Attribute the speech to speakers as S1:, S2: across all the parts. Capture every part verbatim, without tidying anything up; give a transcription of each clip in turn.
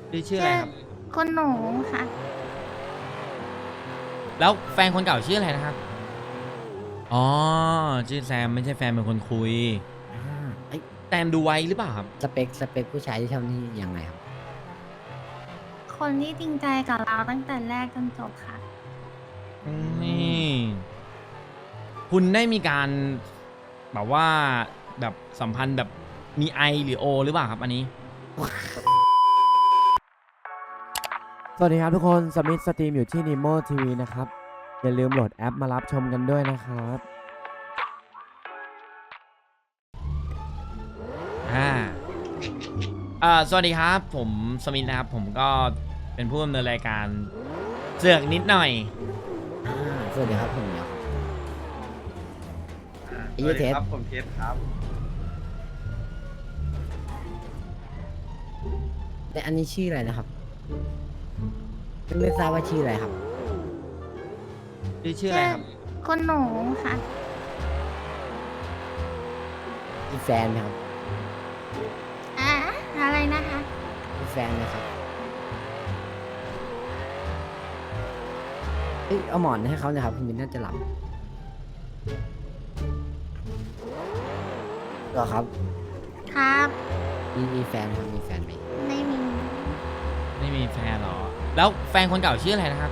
S1: ชื่อชื่ออะไรครับ
S2: คุณหนูค่ะ
S1: แล้วแฟนคนเก่าชื่ออะไรนะครับอ๋อชื่อแซมไม่ใช่แฟนเป็นคนคุย
S3: อ่าไอ้ย
S1: แซมดูไว้หรือเปล่าครับ
S3: สเปคสเปคผู้ชายที่ชอบนี่ยังไงครับ
S2: คนที่จริงใจกับเราตั้งแต่แรกจนจบค่ะ
S1: นี่คุณได้มีการแบบว่าแบบสัมพันธ์แบบมีไอหรือโอหรือเปล่าครับอันนี้
S4: สวัสดีครับทุกคนสมิธสตรีมอยู่ที่ Nemo ที วี นะครับ อย่าลืมโหลดแอปมารับชมกันด้วยนะครับ
S1: อ่าอ่าสวัสดีครับผมสมิธนะครับผมก็เป็นผู้ดำเนินรายการเสือกนิดหน่อย
S3: อ่าสวัสดีครับผมเหมียว
S5: อ่า
S3: ไอ้
S5: ส
S3: เหี้
S5: วั
S3: ย
S5: ส
S3: เท
S5: ดี
S3: ส
S5: ครับผมเทสครับ
S3: แต่อันนี้ชื่ออะไรนะครับไม่ไม่ทราบว่าชื่ออะไรครับ
S1: ชื่อชื่ออะไรครับ
S2: คุณหนูค่ะ
S3: มีแฟนไหมครับ
S2: อ่ะอะไรนะคะ
S3: มีแฟนไหมครับเอ้ยเอาหมอนให้เขาหนะครับคุณมินน่าจะหลับเหรอครับ
S2: ครับ
S3: มีมีแฟนไหมครับมีแฟนไหม
S2: ไม่มี
S1: ไม่มีแฟนหรอแล้วแฟนคนเก่าชื่ออะไรนะครับ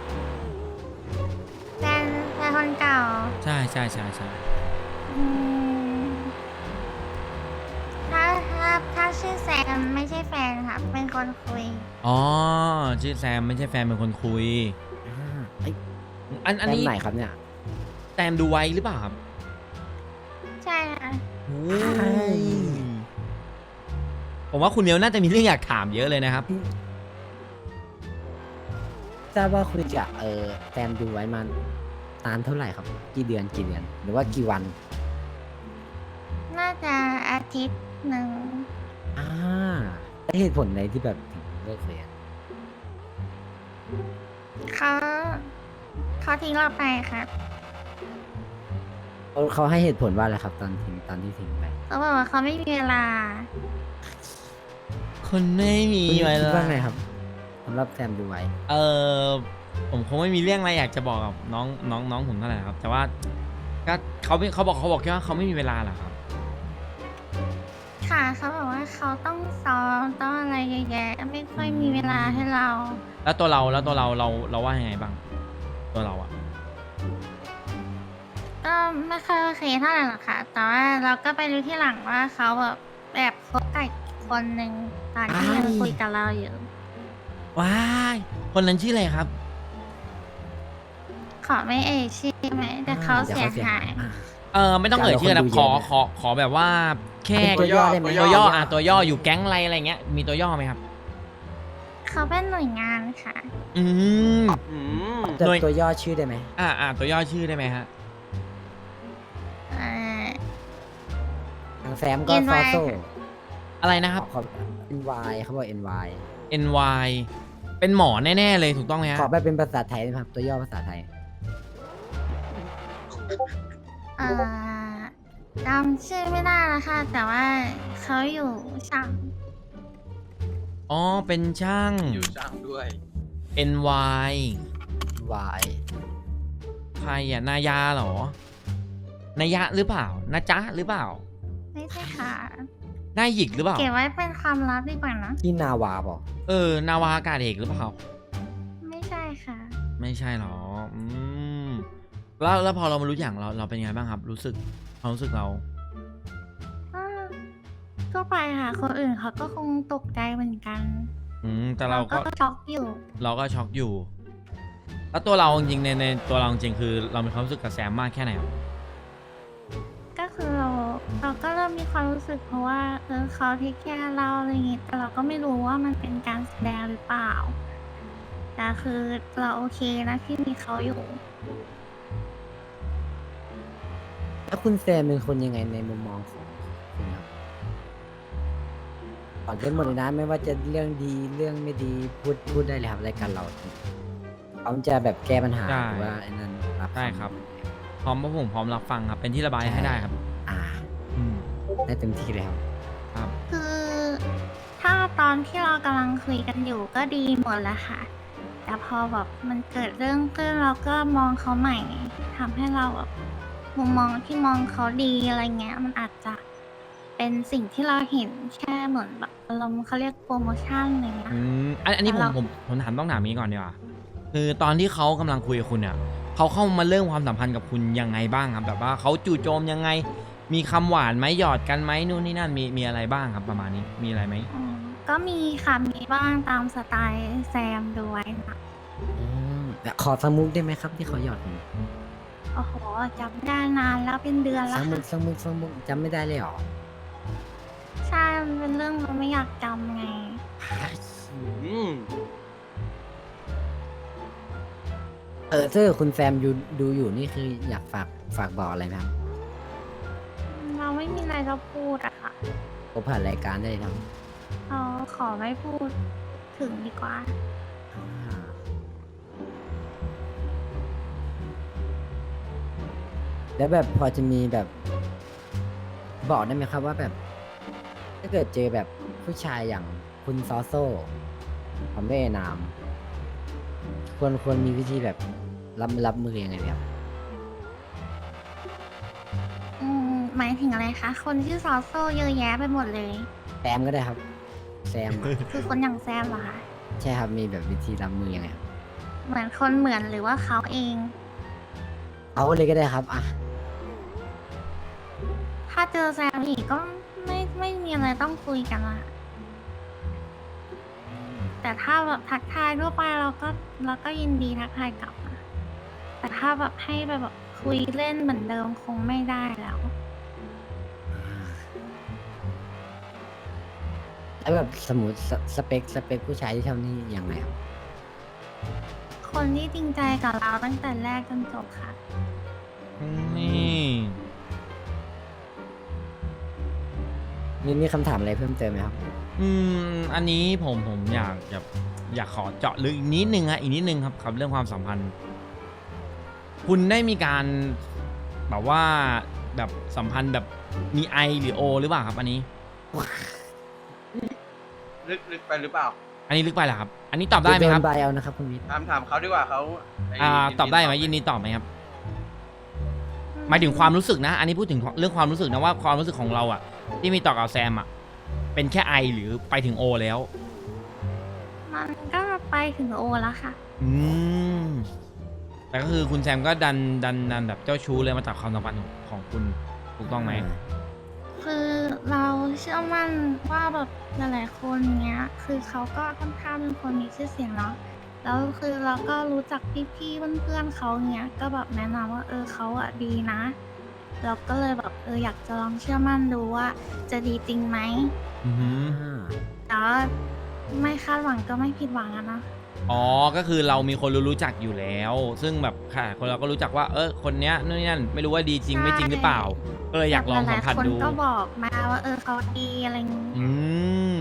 S2: แฟนแฟนคนเก่า
S1: ใช่ใช่ใช่ใช่
S2: อืมถ้าถ้าถ้าชื่อแซมไม่ใช่แฟนค่ะ เป็นคนคุย
S1: อ๋อชื่อแซมไม่ใช่แฟนเป็นคนคุย
S3: อ่าไอ้ย
S1: อัน
S3: แฟ
S1: อัน
S3: น
S1: นี้
S3: ไหนครับเนี่ย
S1: แซมดูไว้หรือเปล่าครับ
S2: ใช่ค่ะ
S1: โอ้ยผมว่าคุณเนียวน่าจะมีเรื่องอยากถามเยอะเลยนะครับ
S3: ทราบว่าคุยกับเออแฟนดูไว้มานานเท่าไหร่ครับ กี่เดือนกี่เดือน หรือว่ากี่วัน
S2: น่าจะอาทิตย์หนึ่ง
S3: อ่าแล้วเหตุผลไหนที่แบบถึงเลิกเรียน
S2: เขาเขาทิ้งเราไปครับ
S3: เขาเขาให้เหตุผลว่าอะไรครับ ตอนทิ้งตอนที่ทิ้งไป
S2: เขาบอกว่าเขาไม่มีเวลา
S1: คนไม่มี
S3: คุณ
S1: ไว้
S3: คิด
S1: แล้ว
S3: ว่าไงครับสำหรับแซมดูไว้
S1: เออผมคงไม่มีเรื่องอะไรอยากจะบอกกับน้องน้องน้องผมเท่าไหร่ครับ แต่ว่าก็เขาไม่เขาบอกเขาบอกแค่ว่าเขาไม่มีเวลาเหรอครับ
S2: ค่ะเขาบอกว่าเขาต้องซ้อมต้องอะไรเยอะแยะไม่ค่อยมีเวลาให้เรา
S1: แล้วตัวเราแล้วตัวเราเราเราว่ายังไงบ้าง ตัวเราอะ
S2: ก็ไม่ค่อยโอเคเท่าไหร่หรอกค่ะ แต่ว่าเราก็ไปรู้ที่หลังว่าเขาแบบแบบคบกับอีกคนหนึ่งตอนที่ยังคุยกับเราอยู่
S1: ว้ายคนนั้นชื่ออะไรครับ
S2: ขอไม่เอ่ยชื่อไหมแต่เขา
S3: ดี๋ว
S2: เสียหาย
S3: อ่
S1: เออไม่ต้องเอ่ยชื่อนะ
S3: คนดู
S1: ขอ
S3: เยอะนะ
S1: ขอขอแบบว่าแค่
S3: เป็นตัวย่อได้ไหม
S1: ตัวย่ออ่ะตัวย่ออยู่แก๊งอะไรอะไรเงี้ยมีตัวย่อไหมครับ
S2: เขาเป็นหน่วยงานค่ะ
S1: อืม
S5: อืม
S3: แต่
S1: หน่วย
S3: ตัวย่อชื่อได้ไหม
S1: อ่าอ่าตัวย่อชื่อได้ไหมฮะ
S2: เอ่อ
S3: ทางแซมก็
S2: เอ็น
S3: ซ
S2: วา
S3: อย โซ่
S2: ค่ะ
S1: อะไรนะครับ
S3: ขอ เอ็น วาย เขาบอก เอ็น วาย
S1: เอ็น วาย เป็นหมอแน่ๆเลยถูกต้องไหมฮะ
S3: ขอแบบเป็นภาษาไทยนะครับ ตัวย่อภาษาไทย
S2: เอ่อจำชื่อไม่ได้แล้วค่ะ แต่ว่าเขาอยู่ช่าง
S1: อ๋อเป็นช่าง
S5: อยู่จ้างด้วย
S1: เอ็น วาย
S3: วาย
S1: ใครอ่ะนายาเหรอ นายะหรือเปล่านาจ๊ะหรือเปล่า
S2: ไม่ใช่ค่ะ
S1: นายหยิกหรือเปล่า
S2: เก็บไว้เป็นความลับดีกว่านะ
S3: ที่นาวาบอก
S1: เออนาวาอากาศเอกหรือเปล่า
S2: ไม่ใช่ค่ะ
S1: ไม่ใช่หรอ อืม แล้วแล้วพอเรามารู้อย่างเราเราเป็นไงบ้างครับ รู้สึกความรู้สึกเรา
S2: ก็ก็ไปค่ะ คนอื่นเขาก็คงตกใจเหมือนกัน
S1: อืม แต่เราก็
S2: ช็อกอยู่
S1: เราก็ช็อกอยู่ แล้วตัวเราจริงๆในในตัวเราจริงๆคือเรามีความรู้สึกกับแซมมากแค่ไหนครับ
S2: ก็คือเราเราก็เริ่มมีความรู้สึกเพราะว่าเออเขาเทคแคร์เราอะไรอย่างงี้แต่เราก็ไม่รู้ว่ามันเป็นการแสดงหรือเปล่า แต่คือเราโอเคนะที่มีเขาอยู่
S3: แล้วคุณแซมเป็นคนยังไงในมุมมองของคุณครับก่อนเป็นหมดเลยนะไม่ว่าจะเรื่องดีเรื่องไม่ดีพูดพูดได้เลยครับรายการเราพร้อมจะแบบแก้ปัญหา
S1: ได้
S3: หรือว่าไอ้นั่นรับ
S1: ได้ครับ พร้อมพระผมพร้อมรับฟังครับ เป็นที่ระบายให้ได้ครับ
S3: อ่า
S1: อืม
S3: ได้เต็มที่เลยครับ
S1: ครับ
S2: คือถ้าตอนที่เรากำลังคุยกันอยู่ก็ดีหมดแหละค่ะ แต่พอแบบมันเกิดเรื่องขึ้นเราก็มองเขาใหม่ทำให้เราแบบมุมมองที่มองเขาดีอะไรเงี้ยมันอาจจะเป็นสิ่งที่เราเห็นแค่เหมือนแบบอารมณ์เขาเรียกโปรโมชั่นอะไรเงี้ย
S1: อืมอันอันนี้ผม
S2: แต่เรา
S1: ผมผมถามต้องถามนี้ก่อนดีกว่าคือตอนที่เขากำลังคุยกับคุณเนี่ยเขาเข้ามาเริ่มความสัมพันธ์กับคุณยังไงบ้างครับแบบว่าเขาจู่โจมยังไง มีคำหวานไหมหยอดกันไหมนู่นนี่นั่นมีมีอะไรบ้างครับประมาณนี้มีอะไรไหม
S2: อืมก็มีค่ะมีบ้างตามสไตล์แซมด้วยนะ
S3: อืมแต่ขอสกมุกได้ไหมครับที่เขาหยอดผม
S2: โอ้โหจำได้นานแล้วเป็นเดือน
S3: ส
S2: แล้ว
S3: กมุ
S2: ค่ะ
S3: กสกมุกสกมุกจำไม่ได้เลยเหรอ
S2: ใช่มันเป็นเรื่องเราไม่อยากจำไง
S3: เออถ้าเกิดคุณแซมอยู่ดูอยู่นี่คืออยากฝากฝากบอกอะไรไหมครับ
S2: เราไม่มีอะไรจะพูดอะค่ะ
S3: ก็ผ่านรายการได้เลยครับ
S2: เราขอไม่พูดถึงดีกว่า
S3: อ่าแล้วแบบพอจะมีแบบ บอกได้ไหมครับว่าแบบ ถ้าเกิดเจอแบบผู้ชายอย่างคุณซอโซ่ผมไม่เอ่ยนาม ควรควรมีวิธีแบบรับรับมือยังไงไหมครับ
S2: อืมหมายถึงอะไรคะ คนชื่อซอโซ่เยอะแยะไปหมดเลย
S3: แซมก็ได้ครับ แซมอะ
S2: คือคนอย่างแซมเหรอคะ
S3: ใช่ครับมีแบบวิธีรับมือยังไงครับ
S2: เหมือนคนเหมือนหรือว่าเขาเอง
S3: เอาเลยก็ได้ครับอ่ะ
S2: ถ้าเจอแซมอีกก็ไม่ไม่มีอะไรต้องคุยกันละแต่ถ้าแบบทักทายทั่วไปเราก็เราก็ยินดีทักทายกลับนะแต่ถ้าแบบให้ไปแบบคุยเล่นเหมือนเดิมคงไม่ได้แล้ว
S3: แล้วแบบสมมติสสเปคสเปคผู้ชายที่ชอบนี่ยังไงครับ
S2: คนที่จริงใจกับเราตั้งแต่แรกจนจบค่ะ
S1: นี่
S3: มีมีคำถามอะไรเพิ่มเติมไหมครับ
S1: อืมอันนี้ผมผมอยากอยากอยากขอเจาะลึกอีกนิดนึงฮะอีกนิดนึงครับครับเรื่องความสัมพันธ์ คุณได้มีการแบบว่าแบบสัมพันธ์แบบมีไอหรือโอหรือเปล่าครับ อันนี้
S5: ลึกลึกไปหรือเปล่า
S1: อันนี้ลึกไปเหรอครับ อันนี้ตอบได้ไหมครับ
S3: โดนใบเอานะครับคุณวิทย์
S5: ถามถามเขาดีกว่าเขาไ
S1: อ่า
S5: ยิน
S1: ตอบได้ไหม
S5: ต
S1: ยินดีตอบไหมครับ หมายถึงความรู้สึกนะ อันนี้พูดถึงเรื่องความรู้สึกนะว่าความรู้สึกของเราอะที่มีต่อกับแซมอะเป็นแค่ไอหรือไปถึงโอแล้ว
S2: มันก็ไปถึงโอแล้วค่ะ
S1: อืมแต่ก็คือคุณแซมก็ดันดันดันแบบเจ้าชู้เลยมาจากความสัมพันธ์ของของคุณถูกต้องไหม
S2: คือเราเชื่อมั่นว่าแบบหลายๆคนเนี้ย คือเขาก็ค่อนข้างเป็นคนมีชื่อเสียงเนาะแล้วคือเราก็รู้จักพี่ๆเพื่อนๆเขาเนี้ย ก็แบบแนะนำว่าเออเขาอะดีนะ เราก็เลยแบบเอออยากจะลองเชื่อมั่นดูว่าจะดีจริงไหม
S1: อือหือ
S3: อ่า
S2: แต่ว่าไม่คาดหวังก็ไม่ผิดหวังอะนะ
S1: อ๋อ ก็คือเรามีคนรู้รู้จักอยู่แล้ว ซึ่งแบบค่ะ คนเราก็รู้จักว่า เออ คนเนี้ยนู่นนี่นั่น ไม่รู้ว่าดีจริงไม่จริงหรือเปล่า ก็เลยอยากลองสัมผัส
S2: หลายๆคน
S1: ดู
S2: ก็บอกมาว่าเออเขาดีอะไรอย่างงี้
S1: อืม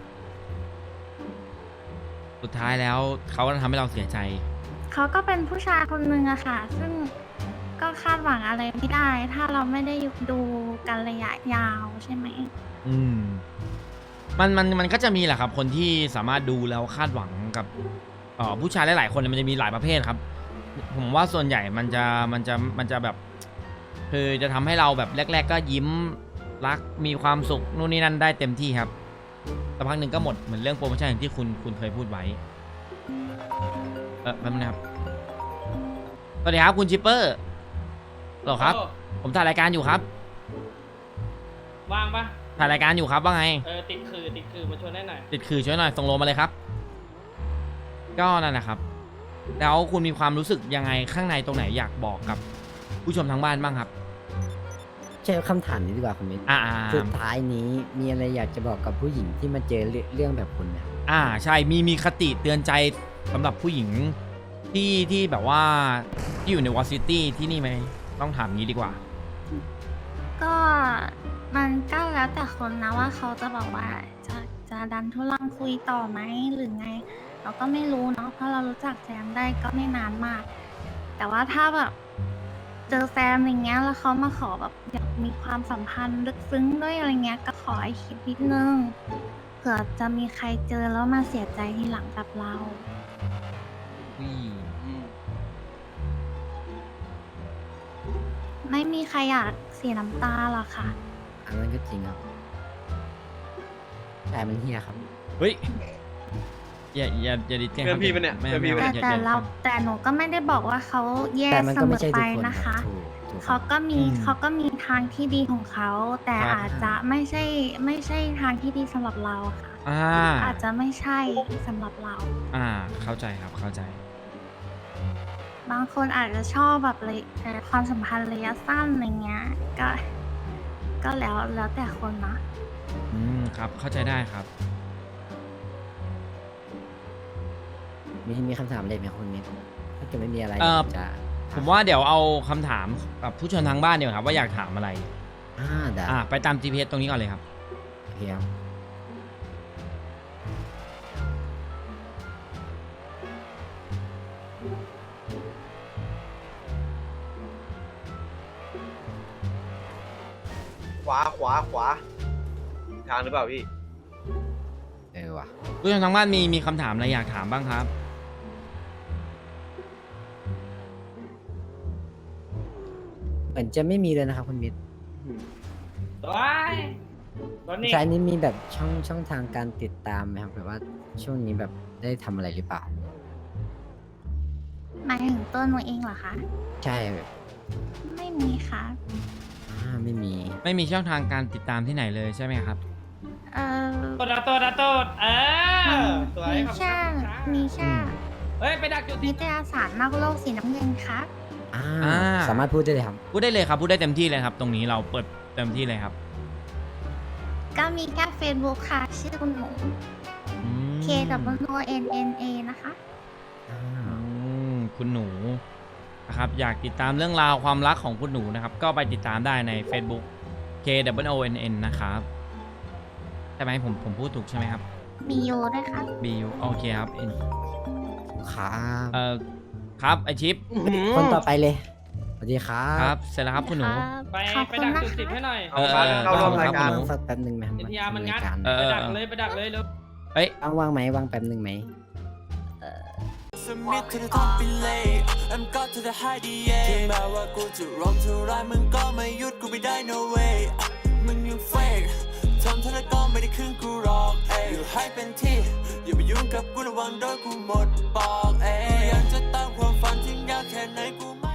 S1: สุดท้ายแล้วเขาก็ทำให้เราเสียใจ
S2: เขาก็เป็นผู้ชายคนหนึ่งอะค่ะ ซึ่งก็คาดหวังอะไรไม่ได้ ถ้าเราไม่ได้ดูกันระยะยาวใช่ไหม
S1: อืม มันมันมันก็จะมีแหละครับ คนที่สามารถดูแล้วคาดหวังกับเอ่อผู้ชายหลายๆคนเนี่ยมันจะมีหลายประเภทครับ ผมว่าส่วนใหญ่มันจะมันจะมันจะแบบ คือจะทำให้เราแบบแรก ๆ ก็ยิ้มรักมีความสุขนู่นนี่นั่นได้เต็มที่ครับสักพักหนึ่งก็หมดเหมือนเรื่องโปรโมชั่นอย่างที่คุณคุณเคยพูดไว้ เออแป๊บนึงนะครับสวัสดีครับคุณชิปเปอร์หรอครับ
S6: โอ้
S1: ผมถ่ายรายการอยู่ครับ
S6: ว่างปะ
S1: ถ่ายรายการอยู่ครับว่าไง
S6: เออติดคือติดคือมาชวนได้หน่อย
S1: ติดคือช่วยหน่อยส่งโลมาเลยครับ ก็นั่นนะครับ แล้วคุณมีความรู้สึกยังไงข้างในตรงไหนอยากบอกกับผู้ชมทางบ้านบ้างครับ
S3: ใช่คำถามนี้ดีกว่าคุณวิทย์
S1: อ่า
S3: สุดท้ายนี้มีอะไรอยากจะบอกกับผู้หญิงที่มาเจอเรื่องเรื่องแบบคุณไหม
S1: อ่าใช่มีมีคติเตือนใจสำหรับผู้หญิงที่ที่แบบว่าที่อยู่ในวอซิตี้ที่นี่ไหมต้องถามงี้ดีกว่า
S2: ก็มันก็แล้วแต่คนนะว่าเขาจะบอกว่าจะจะดันทุลังคุยต่อไหมหรือไง เราก็ไม่รู้เนาะเพราะเรารู้จักแซมได้ก็ไม่นานมาก แต่ว่าถ้าแบบเจอแซมอย่างเงี้ยแล้วเขามาขอแบบอยากมีความสัมพันธ์ลึกซึ้งด้วยอะไรเงี้ยก็ขอให้คิดนิดนึงเผื่อจะมีใครเจอแล้วมาเสียใจทีหลังกับเรา
S1: อุ้ย
S5: อืม
S2: ไม่มีใครอยากเสียน้ำตาหรอกค่ะ
S3: อันนั้นก็จริงครับแต่มันเฮียครับ
S1: เฮ้ยอย่าอย่าอย่าดิแกล้ง
S5: เพื่อนพี่ปะเนี่ย
S1: ไม่
S5: เพื่อนพี่
S1: ไม่
S5: ปะ
S2: แต่
S1: อย่า
S2: แต่
S1: อย่า
S2: เราแต่หนูก็ไม่ได้บอกว่าเขาแย่
S3: แต่มัน
S2: เส
S3: ก็
S2: ม
S3: ไม่
S2: อ
S3: ใช่
S2: ไป
S3: ทุกคน
S2: นะคะ
S3: ถูกถูก
S2: เขาก็มี
S1: อืม
S2: เขาก็มีทางที่ดีของเขา แต่
S1: ครับ
S2: อาจจะไม่ใช่ไม่ใช่ทางที่ดีสำหรับเราค่ะ
S1: อ่า
S2: อาจจะไม่ใช่สำหรับเรา
S1: อ่า เข้าใจครับเข้าใจ
S2: บางคนอาจจะชอบแบบเลยเอ่อความสัมพันธ์ระยะสั้นอะไรเงี้ย ก็ ก็แล้วแล้วแต่คนนะ
S1: อืมครับเข้าใจได้ครับ
S3: มีมีคำถามอะไรไหมคุณมิตรถ้าเกิดไม่มีอะไร
S1: เอ่อ
S3: จะ
S1: ผมว่าเดี๋ยวเอาคำถามกับผู้ชมทางบ้านเดี๋ยวาครับว่าอยากถามอะไร
S3: อ่าได้
S1: อ่าไปตาม จี พี เอส ตรงนี้ก่อนเลยครับ
S3: โอเคครับ
S5: ขวาขวาขวาอีกทางหรือเปล่าพี่
S3: เออว่ะ
S1: ผู้ชมทางบ้านมีมีคำถามอะไรอยากถามบ้างครับ
S3: เหมือนจะไม่มีเลยนะครับคุณมิตร
S6: ตัวตอนนี้
S3: ใช่นี้มีแบบช่องช่องทางการติดตามไหมครับแบบว่าช่วงนี้แบบได้ทำอะไรหรือเปล่า
S2: หมายถึงตัวหนูเองเหรอคะ
S3: ใช่แบบ
S2: ไม่มีค่ะ
S3: อ่าไม่มี
S1: ไม่มีช่องทางการติดตามที่ไหนเลยใช่ไหมครับ
S2: เออ
S6: ตัวดาตัวดาตัวเออสวย
S2: มี
S6: ขอบคุณ
S2: แค่
S6: ครับ
S2: มีแค่
S6: เฮ้ย ไปดักจุด
S2: นิ
S6: ที่
S2: ตยสารนอกโลกสีน้ำเงินครับ
S3: อ่า
S1: อ่า
S3: สามารถพูดได้เลยครับ
S1: พูดได้เลยครับพูดได้เต็มที่เลยครับ ตรงนี้เราเปิดเต็มที่เลยครับ
S2: ก็มีแค่ Facebook ค่ะ ชื่อคุณหนู
S1: อืม
S2: K W O N N A นะคะ
S3: อ่า
S1: อืมคุณหนูนะครับอยากติดตามเรื่องราวความรักของคุณหนูนะครับ ก็ไปติดตามได้ใน Facebook K W O N N นะครับใช่ไหมผมผมพูดถูกใช่ไหมครับ
S2: มีโยด้วยค่ะ
S1: B U โอเคครับ N
S3: ครับ
S1: เอ่อครับไอชิป
S3: คนต่อไปเลยสวัสดีครั
S1: ครับ บเสร็จแล้วครับคุณหนู
S6: ไป
S2: ขอบ
S6: ไป
S2: คุณ
S6: ดัก
S2: นะ
S6: จุดสิบ
S2: คะ
S6: ให้หน่อย
S1: เออเออ
S5: เข้าร่วมรายการ
S3: ต้องสักแป๊บหนึ่งไหมครับ
S6: เดี๋ยวทีอาร์มันงัด
S3: รายการ
S1: เออ
S6: ไปดักเลยไปดักเลยเร็ว
S1: เอ้ย
S3: ว่างว่างไหมว่างแป๊บหนึ่งไหม
S7: Submit to the top ไปเลย I'm got to the high ดีเย่ถึงแม้ว่ากูจะร้องเท่าไรมึงก็ไม่หยุดกูไม่ได้ no way มึงยัง fake ทำเท่าไรก็ไม่ได้ครึ่งกูหรอกเอ้ยอยู่ให้เป็นที่อย่าไปยุ่งกับกูระวังโดนกูหมดปอกเอ้ยยังจะตามความฝันถึงยากแค่ไหนกูไม่